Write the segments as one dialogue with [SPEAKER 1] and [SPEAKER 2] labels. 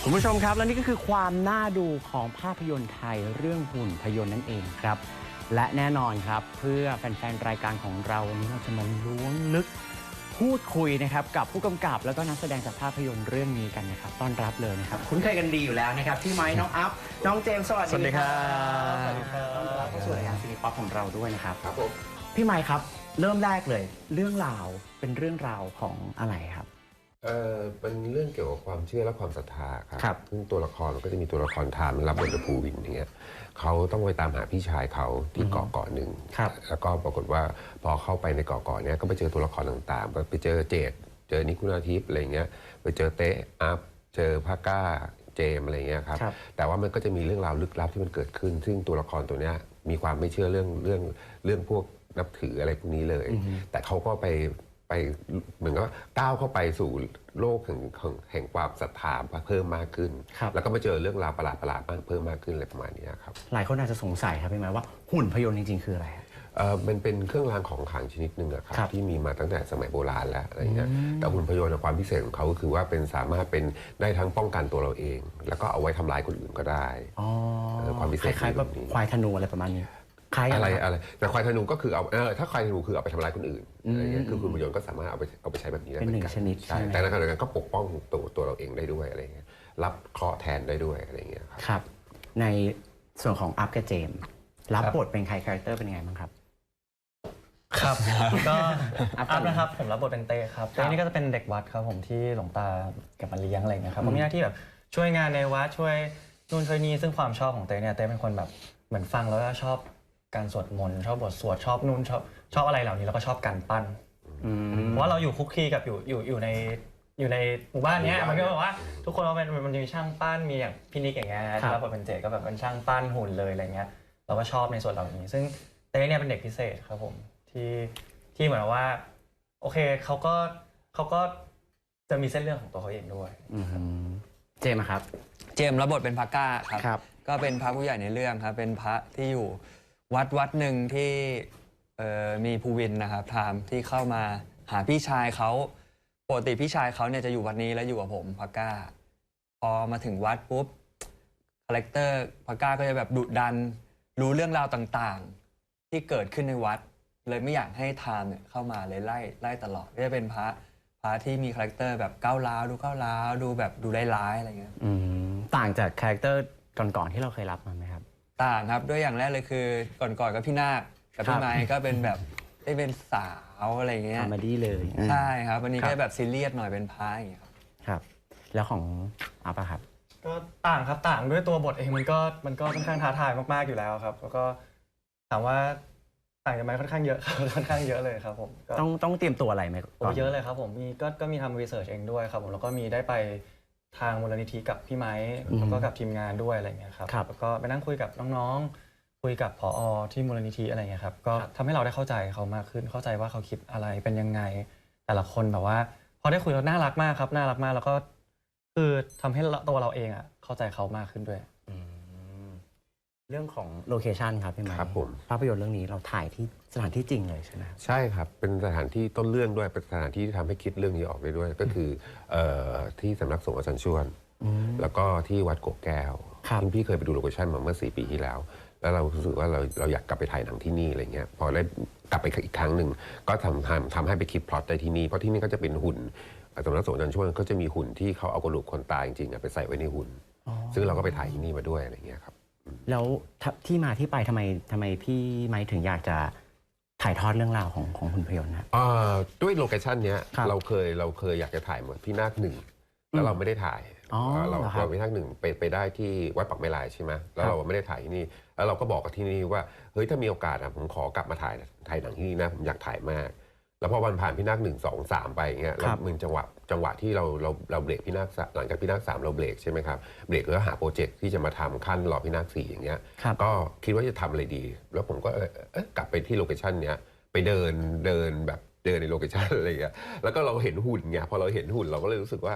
[SPEAKER 1] คุณผู้ชมครับและนี่ก็คือความน่าดูของภาพยนตร์ไทยเรื่องหุ่นพยนต์นั่นเองครับและแน่นอนครับเพื่อแฟนๆรายการของเราวันนี้เราจะมาล้วงลึกพูดคุยนะครับกับผู้กำกับแล้วก็นักแสดงจากภาพยนตร์เรื่องนี้กันนะครับต้อนรับเลยนะครับคุ้นเคยกันดีอยู่แล้วนะครับพี่ไม้น้องอัพน้องเจมส์สวัสดีครับสวัสดีครับต้อนรับเข้าสู่รายการซีรีส์ป๊อปของเราด้วยนะครับครับผมพี่ไม้ครับเริ่มแรกเลยเรื่องราวเป็นเรื่องราวของอะไรครับ
[SPEAKER 2] เป็นเรื่องเกี่ยวกับความเชื่อและความศรัทธา
[SPEAKER 1] ครับ
[SPEAKER 2] ซึ่งตัวละครมันก็จะมีตัวละครทามรับบทโดยภูวินอย่างเงี้ยเขาต้องไปตามหาพี่ชายเขาที่เกาะหนึ่งแล้วก็ปรากฏว่าพอเข้าไปในเกาะเนี้ยก็ไปเจอตัวละครต่างๆไปเจอเจดเจอนิคุณาทิพย์อะไรเงี้ยไปเจอเตะอัพเจอพาก้าเจมอะไรเงี้ยครับแต่ว่ามันก็จะมีเรื่องราวลึกลับที่มันเกิดขึ้นซึ่งตัวละครตัวเนี้ยมีความไม่เชื่อเรื่องพวกนับถืออะไรพวกนี้เลยแต่เขาก็ไปเหมือนกับก้าวเข้าไปสู่โลกแห่งความศรัทธาเพิ่มมากขึ้นแล้วก็มาเจอเรื่องราวประหลาดเพิ่มมากขึ้นอะไรประมาณนี้ครับ
[SPEAKER 1] หลายคนอาจจะสงสัยครับพี่ไม้ว่าหุ่นพยนต์จริงๆคืออะไร
[SPEAKER 2] มันเป็นเครื่องรางของขลังชนิดหนึ่งครับที่มีมาตั้งแต่สมัยโบราณแล้วอะไรเงี้ยแต่หุ่นพยนต์ความพิเศษของเขาก็คือว่าเป็นสามารถเป็นได้ทั้งป้องกันตัวเราเอง แล้วก็เอาไว้ทำร้ายคนอื่นก็ได้
[SPEAKER 1] ความพิเศษคล้ายๆแบบควายธนูอะไรประมาณนี้
[SPEAKER 2] อะไรแต่ควายธนูก็คือเอาถ้าควายธนูคือเอาไปทำร้ายคนอื่นอะไรเงี้ยคือคุณพยนต์ก็สามารถเอาไปใช้แบบนี้ได้
[SPEAKER 1] เป็นหนึ่งชนิด
[SPEAKER 2] ใช่แต่ในขณะเดียวกันก็ปกป้องตัวเราเองได้ด้วยอะไรเงี้ยรับเคราะห์แทนได้ด้วยอะไรเงี้ย
[SPEAKER 1] ครับในส่วนของอัพกับเจมรับบทเป็นใครคาแรคเตอร์เป็นไงบ้างครับ
[SPEAKER 3] ครับก็อัพนะครับผมรับบทเป็นเต้ครับเต้นี่ก็จะเป็นเด็กวัดครับผมที่หลวงตาเก็บมาเลี้ยงอะไรเงี้ยครับผมมีหน้าที่แบบช่วยงานในวัดช่วยนู่นช่วยนี่ซึ่งความชอบของเต้เนี่ยเต้เป็นคนแบบเหมือนฟังแล้วก็ชอบการสวดมนต์ชอบบทสวดชอบนู่นชอบอะไรเหล่านี้แล้วก็ชอบการปั้นเพราะว่าเราอยู่คุกคีกับอยู่ในหมู่บ้านนี้มันก็แบบว่าทุกคนมันมีช่างปั้นมีอย่างพี่นิกอย่างเงี้ยแล้วพอเป็นเจก็แบบเป็นช่างปั้นหุ่นเลยอะไรเงี้ยเราก็ชอบในส่วนเหล่านี้ซึ่งเต้เนี่ยเป็นเด็กพิเศษครับผมที่เหมือนว่าโอเคเขาก็จะมีเส้นเรื่องของตัวเขาเองด้วย
[SPEAKER 1] เจมครับ
[SPEAKER 4] เจมรับบทเป็นพระก้าครับก็เป็นพระผู้ใหญ่ในเรื่องครับเป็นพระที่อยู่วัดหนึ่งที่มีภูวินนะครับพราหมณ์ที่เข้ามาหาพี่ชายเขาปกติพี่ชายเขาเนี่ยจะอยู่วัดนี้แล้วอยู่กับผมพระก้าพอมาถึงวัดปุ๊บคาแรคเตอร์พระก้าก็จะแบบดุดันรู้เรื่องราวต่างๆที่เกิดขึ้นในวัดเลยไม่อยากให้ทามเนี่ยเข้ามาเลยไล่ตลอดก็จะเป็นพระที่มีคาแรคเตอร์แบบก้าวร้าวดูแบบดูร้ายอะไรเงี้ย
[SPEAKER 1] ต่างจากคาแรคเตอร์ก่อนๆที่เราเคยรับมาไหมครับ
[SPEAKER 4] ต่างครับด้วยอย่างแรกเลยคือก่อนกับพี่นาคกับพี่ไม้ก็เป็นแบบได้เป็นสาวอะไรเงี้ย
[SPEAKER 1] คอมเมดี้เลย
[SPEAKER 4] ใช่ครับวันนี้ก็แบบซีเรียสหน่อยเป็นพายอย่างเงี้ย
[SPEAKER 1] ครับแล้วของอัพครับ
[SPEAKER 3] ก็ต่างครับต่างด้วยตัวบทเองมันก็ค่อนข้างท้าทายมากๆอยู่แล้วครับแล้วก็ถามว่าต่างกันไหมค่อนข้างเยอะครับค่อนข้างเยอะเลยครับผม
[SPEAKER 1] ต้องเตรียมตัวอะไรไหม
[SPEAKER 3] เยอะเลยครับผมก็มีทำรีเสิร์ชเองด้วยครับผมแล้วก็มีได้ไปทางมูลนิธิกับพี่ไม้แล้วก็กับทีมงานด้วยอะไรเงี้ยครับแล้วก็ไปนั่งคุยกับน้องๆคุยกับผอ.ที่มูลนิธิอะไรเงี้ยครับก็ทำให้เราได้เข้าใจเขามากขึ้นเข้าใจว่าเขาคิดอะไรเป็นยังไงแต่ละคนแบบว่าพอได้คุยแล้วน่ารักมากครับน่ารักมากแล้วก็คือทำให้ตัวเราเองเข้าใจเขามากขึ้นด้วย
[SPEAKER 1] เรื่องของโลเคชันครับพี่ไม้
[SPEAKER 2] ครับผม
[SPEAKER 1] ภาพยนตร์เรื่องนี้เราถ่ายที่สถานที่จริงเลยใช่ไหม
[SPEAKER 2] ใช่ครับเป็นสถานที่ต้นเรื่องด้วยเป็นสถานที่ที่ทำให้คิดเรื่องนี้ออกไปด้วยก็คือที่สำนักสงฆ์อาจารย์ชวนแล้วก็ที่วัดโกแก้วซึ่งพี่เคยไปดูโลเคชั่นมาเมื่อ4 ปีที่แล้วแล้วเรารู้สึกว่าเราอยากกลับไปถ่ายหนังที่นี่อะไรเงี้ยพอได้กลับไปอีกครั้งหนึ่งก็ทำให้ไปคิดพล็อตได้ที่นี่เพราะที่นี่ก็จะเป็นหุ่นสำนักสงฆ์อาจารย์ชวนก็จะมีหุ่นที่เขาเอากระดูกคนตายจริงๆไปใส่ไว้ในหุ่นซึ่งเราก็ไปถ่ายที่นี่มาด้วยอะไรเงี้ยครับ
[SPEAKER 1] แล้วที่มาที่ไปทำไมพี่ไม้ถึงอยากจะถ่ายทอดเรื่องราวของหุ่นพยนต์นะ
[SPEAKER 2] ด้วยโลเคชั่นเนี้ยเราเคยอยากจะถ่ายเหมือนพี่นาคหนึ่งแล้วเราไม่ได้ถ่ายเราพี่นาคหนึ่งไปได้ที่วัดปักไม้ลายใช่ไหมแล้วเราไม่ได้ถ่ายที่นี่แล้วเราก็บอกกับที่นี่ว่าเฮ้ยถ้ามีโอกาสผมขอกลับมาถ่ายหนังที่นี่นะผมอยากถ่ายมากแล้วพอวันผ่านพี่นาค1 2 3ไปเงี้ยแล้วมึงจังหวะที่เราเบรกพี่นาคหลังจากพี่นาค3เราเบรกใช่ไหมครับเบรกแล้วหาโปรเจกต์ที่จะมาทำขั้นรอพี่นาค4อย่างเงี้ยก็คิดว่าจะทำอะไรดีแล้วผมก็กลับไปที่โลเคชั่นเนี้ยไปเดินในโลเคชั่นอะไรเงี้ยแล้วก็เราเห็นหุ่นไงพอเราเห็นหุ่นเราก็เลยรู้สึกว่า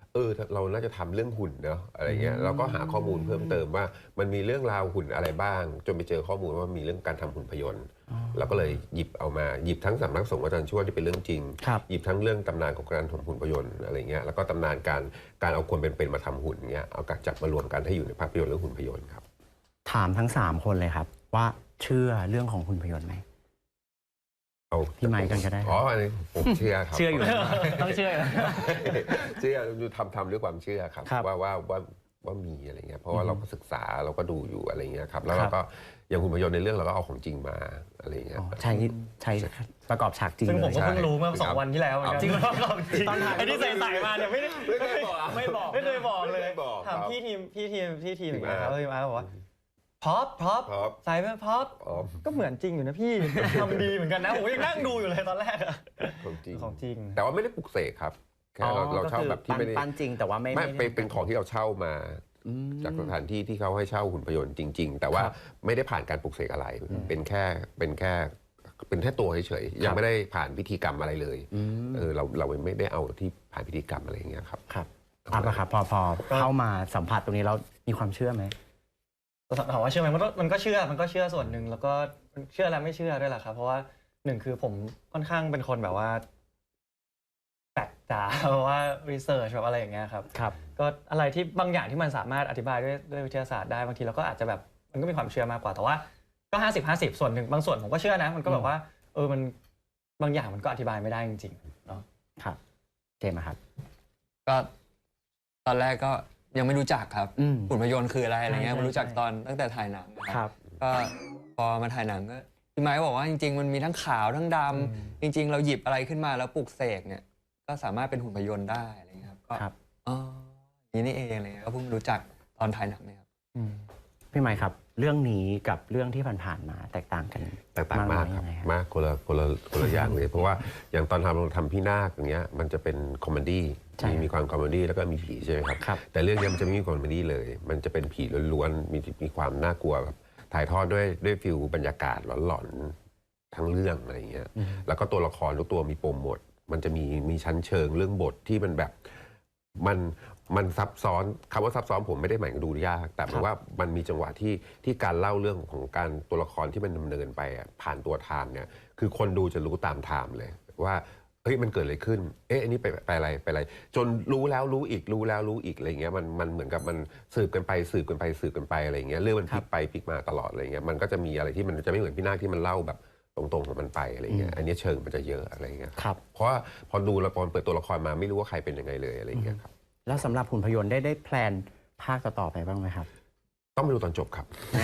[SPEAKER 2] เราน่าจะทำเรื่องหุ่นเนาะอะไรเงี้ยเราก็หาข้อมูลเพิ่มเติมว่ามันมีเรื่องราวหุ่นอะไรบ้าง จนไปเจอข้อมูลว่ามีเรื่องการทำหุ่นพยนต์เราก็เลยหยิบทั้งสำนักสงฆ์อาจารย์ช่วยที่เป็นเรื่องจริงหยิบทั้งเรื่องตำนานของการทำหุ่นพยนต์อะไรเงี้ยแล้วก็ตำนานการเอาคนเป็นๆมาทำหุ่นเงี้ยเอาจับมารวมกันให้อยู่ในภาพยนตร์เรื่องหุ่นพยนต์ครับ
[SPEAKER 1] ถามทั้ง3คนเลยครับว่าเชื่อเรื่องของหุ่นพยนต์ไหม
[SPEAKER 2] เอา
[SPEAKER 1] พี่ไมค์กันก็ได้
[SPEAKER 2] อันนี้ผมเชื่อครับ
[SPEAKER 1] เชื่ออยู่ต้องเชื่อ
[SPEAKER 2] เชื่อทำด้วยความเชื่อครับว่ามีอะไรเงี้ยเพราะว่าเราก็ศึกษาเราก็ดูอยู่อะไรเงี้ยครับแล้วเราก็อย่างหุ่นพยนต์ในเรื่องเราก็เอาของจริงมาอะไรเงี้ย
[SPEAKER 1] ใช้ประกอบฉากจริง
[SPEAKER 3] ซึ่งผมก็เพิ่งรู้เมื่อ2 วันที่แล้วจริงตอนถ่ายไอ้ที่ใส่มาเนี่ยไม่เคยบอกเลยถามพี่ทีมนะครับพี่มาบอกว่าพ็อปใส่เป็นพ็อปก็เหมือนจริงอยู่นะพี่ทำดีเหมือนกันนะผมยังนั่งดูอยู่เลยตอนแรกของจริง
[SPEAKER 2] แต่ว่าไม่ได้ปลุกเสกครับแค่เราเช่าแบบที่ไม่ได้
[SPEAKER 1] ปั้นจริงแต่ว่าไม่
[SPEAKER 2] เป็นของที่เราเช่ามาจากสถานที่ที่เขาให้เช่าหุ่นพยนต์จริงๆแต่ว่าไม่ได้ผ่านการปลุกเสกอะไรเป็นแค่ตัวเฉยๆยังไม่ได้ผ่านพิธีกรรมอะไรเลยเราไม่ได้เอาที่ผ่านพิธีกรรมอะไรอย่างเงี้ยครับ
[SPEAKER 1] ครับครับพอเข้ามาสัมผัสตรงนี้เรามีความเชื่อไหม
[SPEAKER 3] ถามว่าเชื่อไหมมันก็เชื่อส่วนหนึ่งแล้วก็เชื่อและไม่เชื่อด้วยแหละครับเพราะว่า1คือผมค่อนข้างเป็นคนแบบว่าแปลกจ๋าเพราะว่ารีเสิร์ชแบบอะไรอย่างเงี้ยครับก็อะไรที่บางอย่างที่มันสามารถอธิบายด้วยวิทยาศาสตร์ได้บางทีเราก็อาจจะแบบมันก็มีความเชื่อมากกว่าแต่ว่าก็50-50ส่วนหนึ่งบางส่วนผมก็เชื่อนะมันก็แบบว่ามันบางอย่างมันก็อธิบายไม่ได้จริงๆเนาะ
[SPEAKER 1] ครับเจมส์ครับ
[SPEAKER 4] ก็ตอนแรกก็ยังไม่รู้จักครับหุ่นพยนต์คืออะไรเงี้ยมารู้จักตอนตั้งแต่ถ่ายหนังครับก็พอมาถ่ายหนังก็พี่ไมค์บอกว่าจริงๆมันมีทั้งขาวทั้งดำจริงๆเราหยิบอะไรขึ้นมาแล้วปลุกเสกเนี่ยก็สามารถเป็นหุ่นพยนต์ได้อะไรเงี้ยครับก็นี่เองอะไรเงี้ยก็เพิ่งรู้จักตอนถ่ายหนังเนี่ยครับ
[SPEAKER 1] พี่ไมค์ครับเรื่องนี้กับเรื่องที่ผ่านๆมาแตกต่างกัน
[SPEAKER 2] มากครับมากคนละอย่างเลยเพราะว่าอย่างตอนทำพี่นาคอย่างเงี้ยมันจะเป็นคอมเมดี้มีความคอมเมดี้แล้วก็มีผีใช่ไหมครับแต่เรื่องนี้มันจะไม่มีคอมเมดี้เลยมันจะเป็นผีล้วนๆมีความน่ากลัวแบบถ่ายทอดด้วยฟิลบรรยากาศหลอนๆทั้งเรื่องอะไรเงี้ยแล้วก็ตัวละครทุกตัวมีปมหมดมันจะมีชั้นเชิงเรื่องบทที่มันแบบมันซับซ้อนคำว่าซับซ้อนผมไม่ได้หมายถึงดูยากแต่หมายว่ามันมีจังหวะที่การเล่าเรื่องของการตัวละครที่มันดำเนินไปผ่านตัวไทม์เนี่ยคือคนดูจะรู้ตามไทม์เลยว่าเฮ้ยมันเกิดอะไรขึ้นอันนี้ไปอะไรจนรู้แล้วรู้อีกอะไรเงี้ยมันเหมือนกับมันสืบกันไปอะไรเงี้ยเรื่องมันพลิกไปพลิกมาตลอดอะไรเงี้ยมันก็จะมีอะไรที่มันจะไม่เหมือนพี่นาคที่มันเล่าแบบตรงๆของมันไปอะไรเงี้ยอันนี้เชิงมันจะเยอะอะไรเงี้ยเพราะว่าพอดูละครเปิดตัวละครมาไม่รู้ว่าใครเป็นยังไงเลยอะไรเงี้ยครับ
[SPEAKER 1] แล้วสำหรับหุ่นพยนต์ได้แพลนภาคต่อไปบ้างไหมครับ
[SPEAKER 2] ต้องไปดูตอนจบครับ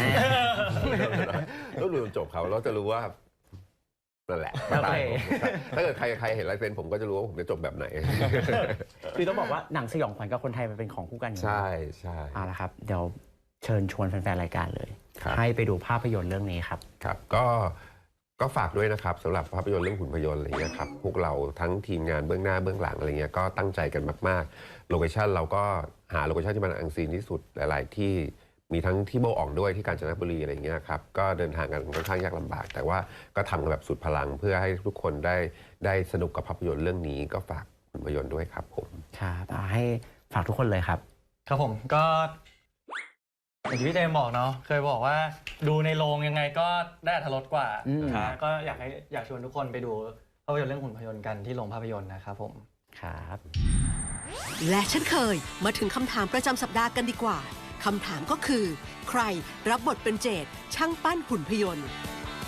[SPEAKER 2] ต้องดูตอนจบเขาเราจะรู้ว่านั่นแหละถ้าเกิดใครเห็นลายเซ็นผมก็จะรู้ว่าผมจะจบแบบไหน
[SPEAKER 1] คือต้องบอกว่าหนังสยองขวัญกับคนไทยมันเป็นของคู่กัน
[SPEAKER 2] ใช่
[SPEAKER 1] เอาละครับเดี๋ยวเชิญชวนแฟนๆรายการเลยให้ไปดูภาพยนตร์เรื่องนี้ครับ
[SPEAKER 2] ครับก็ฝากด้วยนะครับสำหรับภาพยนตร์เรื่องหุ่นพยนต์อะไรเงี้ยครับพวกเราทั้งทีมงานเบื้องหน้าเบื้องหลังอะไรเงี้ยก็ตั้งใจกันมากๆโลเคชั่นเราก็หาโลเคชั่นที่มันอังซีนที่สุดหลายๆที่มีทั้งที่โบอ่องด้วยที่กาญจนบุรีอะไรเงี้ยครับก็เดินทางกันค่อนข้างยากลำบากแต่ว่าก็ทำกันแบบสุดพลังเพื่อให้ทุกคนได้สนุกกับภาพยนตร์เรื่องนี้ก็ฝากหุ่นพยนต์ด้วยครับผม
[SPEAKER 1] ครับให้ฝากทุกคนเลยครับ
[SPEAKER 3] ครับผมก็อย่างที่พี่เจมบอกเนาะเคยบอกว่าดูในโรงยังไงก็ได้อรรถรสกว่าก็อยากชวนทุกคนไปดูภาพยนตร์เรื่องหุ่นพยนต์กันที่โรงภาพยนตร์นะครับผม
[SPEAKER 1] ครับ
[SPEAKER 5] และเช่นเคยมาถึงคำถามประจำสัปดาห์กันดีกว่าคำถามก็คือใครรับบทเป็นเจดช่างปั้นหุ่นพยนต์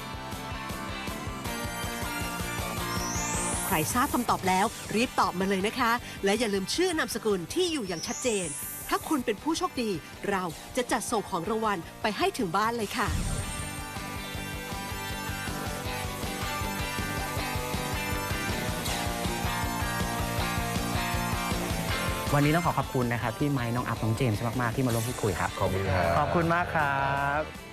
[SPEAKER 5] ใครทราบคำตอบแล้วรีบตอบมาเลยนะคะและอย่าลืมชื่อนามสกุลที่อยู่อย่างชัดเจนถ้าคุณเป็นผู้โชคดีเราจะจัดส่งของรางวัลไปให้ถึงบ้านเลยค่ะ
[SPEAKER 1] วันนี้ต้องขอบคุณนะครับที่ไมค์น้องอัพน้องเจมส์มากๆที่มาร่วมพูดคุยครับ
[SPEAKER 2] ขอบคุณครับ
[SPEAKER 1] ขอบคุณมากครับ